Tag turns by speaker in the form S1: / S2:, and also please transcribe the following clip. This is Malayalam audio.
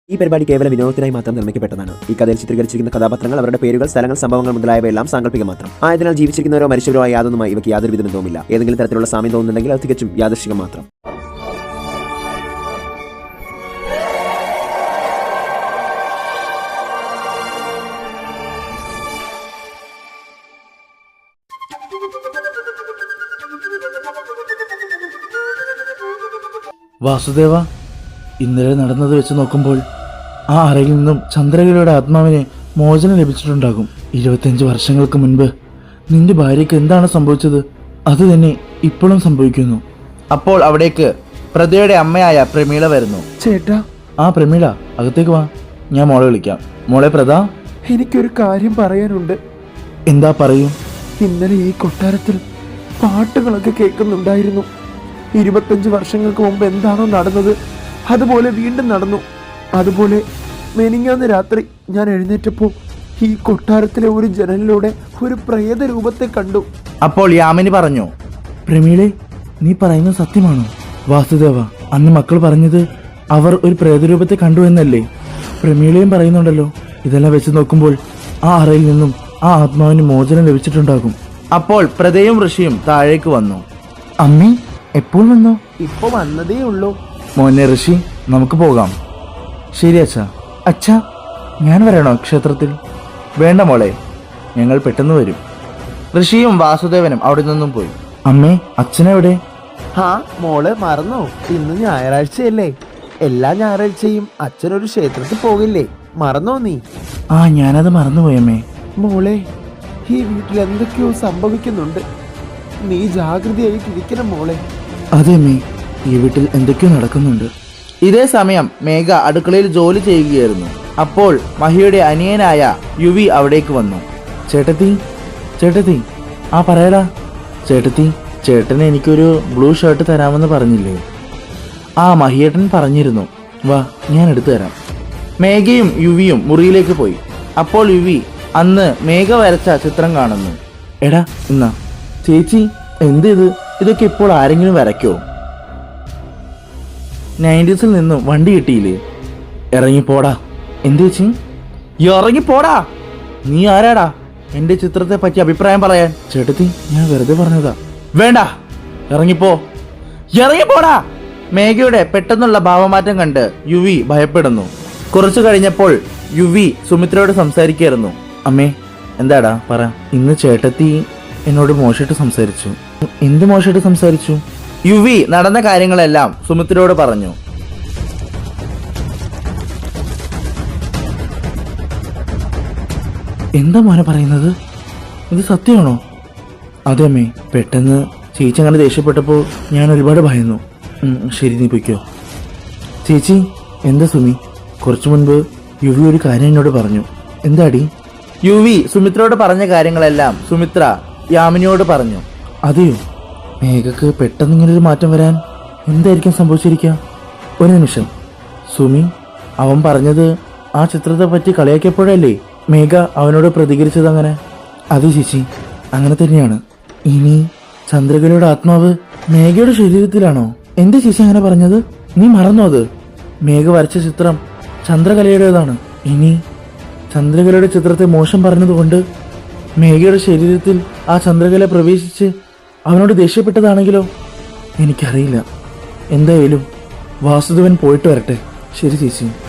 S1: ഈ പരിപാടി കേവലം വിനോദത്തിനായി മാത്രം നിർമ്മിക്കപ്പെട്ടതാണ്. ഈ കഥയിൽ ചിത്രീകരിച്ചിരിക്കുന്ന കഥാപാത്രങ്ങൾ, അവരുടെ പേരുകൾ, സ്ഥലങ്ങൾ, സംഭവങ്ങൾ മുതലായവയെല്ലാം സാങ്കല്പികം മാത്രം ആയതിനാൽ ജീവിച്ചിരിക്കുന്നവരോ മരിച്ചവരോ ആയ യാതൊന്നുമായി ഇവയ്ക്ക് യാതൊരു ബന്ധവുമില്ല. ഏതെങ്കിലും തരത്തിലുള്ള സാമ്യം തോന്നുന്നുണ്ടെങ്കിൽ അത് തികച്ചും യാദൃശ്ചികം മാത്രം.
S2: വാസുദേവ, ഇന്നലെ നടന്നത് വെച്ച് നോക്കുമ്പോൾ ആ അറയിൽ നിന്നും ചന്ദ്രകലയുടെ ആത്മാവിന് മോചനം ലഭിച്ചിട്ടുണ്ടാകും. 25 വർഷങ്ങൾക്ക് മുൻപ് നിന്റെ ഭാര്യയ്ക്ക് എന്താണ് സംഭവിച്ചത് അത് തന്നെ ഇപ്പോഴും സംഭവിക്കുന്നു. അപ്പോൾ അവിടേക്ക് പ്രതിയുടെ അമ്മയായ പ്രമീള വരുന്നു.
S3: ചേട്ടാ.
S2: ആ പ്രമീള, അകത്തേക്ക് വാ, ഞാൻ മോളെ വിളിക്കാം. മോളെ പ്രദ,
S3: എനിക്കൊരു കാര്യം പറയാനുണ്ട്.
S2: എന്താ പറയൂ.
S3: ഇന്നലെ ഈ കൊട്ടാരത്തിൽ പാട്ടുകളൊക്കെ കേൾക്കുന്നുണ്ടായിരുന്നു. 25 വർഷങ്ങൾക്ക് മുമ്പ് എന്താണോ നടന്നത് അതുപോലെ വീണ്ടും നടന്നു. അതുപോലെ മെനിങ്ങാന്ന് രാത്രി ഞാൻ എഴുന്നേറ്റപ്പോൾ ഈ കൊട്ടാരത്തിലെ ഒരു ജനലിലൂടെ ഒരു പ്രേത രൂപത്തെ കണ്ടു.
S2: അപ്പോൾ യാമിനി പറഞ്ഞു, പ്രമീളെ, നീ പറയുന്നത് സത്യമാണോ? വാസുദേവ, അന്ന് മക്കൾ പറഞ്ഞത് അവർ ഒരു പ്രേതരൂപത്തെ കണ്ടു എന്നല്ലേ? പ്രമീളയും പറയുന്നുണ്ടല്ലോ. ഇതെല്ലാം വെച്ച് നോക്കുമ്പോൾ ആ അറയിൽ നിന്നും ആ ആത്മാവിന് മോചനം ലഭിച്ചിട്ടുണ്ടാകും. അപ്പോൾ പ്രതയും ഋഷിയും താഴേക്ക് വന്നു. അമ്മേ, എപ്പോൾ വന്നു?
S3: ഇപ്പൊ വന്നതേ ഉള്ളൂ.
S2: മോനെ ഋഷി, നമുക്ക് പോകാം. ശരി അച്ഛാ. അച്ഛാ, ഞാൻ വരണോ ക്ഷേത്രത്തിൽ? വേണ്ട മോളെ, ഞങ്ങൾ പെട്ടെന്ന് വരും. ഋഷിയും വാസുദേവനും അവിടെ നിന്നും പോയി. അമ്മേ, അച്ഛനെവിടെ?
S3: മോള് മറന്നോ? ഇന്ന് ഞായറാഴ്ചയല്ലേ? എല്ലാ ഞായറാഴ്ചയും അച്ഛനൊരു ക്ഷേത്രത്തിൽ പോകില്ലേ? മറന്നോ നീ?
S2: ഞാനത് മറന്നുപോയമ്മേ.
S3: മോളെ, ഈ വീട്ടിൽ എന്തൊക്കെയോ സംഭവിക്കുന്നുണ്ട്. നീ ജാഗ്രതയായിട്ടിരിക്കണം മോളെ.
S2: അതെ അമ്മേ, ഈ വീട്ടിൽ എന്തൊക്കെയോ നടക്കുന്നുണ്ട്. ഇതേ സമയം മേഘ അടുക്കളയിൽ ജോലി ചെയ്യുകയായിരുന്നു. അപ്പോൾ മഹിയുടെ അനിയനായ യുവി അവിടേക്ക് വന്നു. ചേട്ടത്തി, ചേട്ടത്തി, പറയടാ. ചേട്ടത്തി, ചേട്ടന് എനിക്കൊരു ബ്ലൂ ഷർട്ട് തരാമെന്ന് പറഞ്ഞില്ലേ? മഹിയേട്ടൻ പറഞ്ഞിരുന്നു. വാ, ഞാൻ എടുത്തു തരാം. മേഘയും യുവിയും മുറിയിലേക്ക് പോയി. അപ്പോൾ യുവി അന്ന് മേഘ വരച്ച ചിത്രം കാണുന്നു. എടാ, എന്നാ ചേച്ചി, എന്ത് ഇതൊക്കെ ഇപ്പോൾ ആരെങ്കിലും വരയ്ക്കോ? 90s നിന്നും വണ്ടി കിട്ടിയില്ലേ? ഇറങ്ങിപ്പോടാ. എന്ത് ചേച്ചി? ഇറങ്ങിപ്പോടാ. നീ ആരാടാ എന്റെ ചിത്രത്തെ പറ്റി അഭിപ്രായം പറയാൻ? ചേട്ടത്തി, ഞാൻ വെറുതെ പറഞ്ഞതാ. വേണ്ട, ഇറങ്ങിപ്പോ. ഇറങ്ങിപ്പോടാ. മേഘയുടെ പെട്ടെന്നുള്ള ഭാവമാറ്റം കണ്ട് യുവി ഭയപ്പെടുന്നു. കുറച്ചു കഴിഞ്ഞപ്പോൾ യുവി സുമിത്രയോട് സംസാരിക്കായിരുന്നു. അമ്മേ, എന്താടാ പറ. ഇന്ന് ചേട്ടത്തി എന്നോട് മോശമായിട്ട് സംസാരിച്ചു. എന്ത് മോശമായിട്ട് സംസാരിച്ചു? യുവി നടന്ന കാര്യങ്ങളെല്ലാം സുമിത്രയോട് പറഞ്ഞു. എന്താ മോനെ പറയുന്നത്? ഇത് സത്യമാണോ? അതെ അമ്മേ, പെട്ടെന്ന് ചേച്ചി അങ്ങനെ ദേഷ്യപ്പെട്ടപ്പോൾ ഞാൻ ഒരുപാട് ഭയന്നു. ശരി, നീ പൊയ്ക്കോ. ചേച്ചി, എന്താ സുമി? കുറച്ചു മുൻപ് യുവി ഒരു കാര്യം എന്നോട് പറഞ്ഞു. എന്താടി? യുവി സുമിത്രയോട് പറഞ്ഞ കാര്യങ്ങളെല്ലാം സുമിത്ര യാമിനിയോട് പറഞ്ഞു. അതെയോ? മേഘക്ക് പെട്ടെന്ന് ഇങ്ങനൊരു മാറ്റം വരാൻ എന്തായിരിക്കും സംഭവിച്ചിരിക്കുക? ഒരു നിമിഷം സുമി, അവൻ പറഞ്ഞത് ആ ചിത്രത്തെ പറ്റി കളിയാക്കിയപ്പോഴല്ലേ മേഘ അവനോട് പ്രതികരിച്ചത് അങ്ങനെ? അതെ ചേച്ചി, അങ്ങനെ തന്നെയാണ്. ഇനി ചന്ദ്രകലയുടെ ആത്മാവ് മേഘയുടെ ശരീരത്തിലാണോ? എന്താ ചേച്ചി അങ്ങനെ പറഞ്ഞത്? നീ മറന്നോ അത്? മേഘ വരച്ച ചിത്രം ചന്ദ്രകലയുടേതാണ്. ഇനി ചന്ദ്രകലയുടെ ചിത്രത്തെ മോശം പറഞ്ഞതുകൊണ്ട് മേഘയുടെ ശരീരത്തിൽ ആ ചന്ദ്രകല പ്രവേശിച്ച് അവനോട് ദേഷ്യപ്പെട്ടതാണെങ്കിലോ? എനിക്കറിയില്ല. എന്തായാലും വാസുദേവൻ പോയിട്ട് വരട്ടെ. ശരി ചേച്ചി.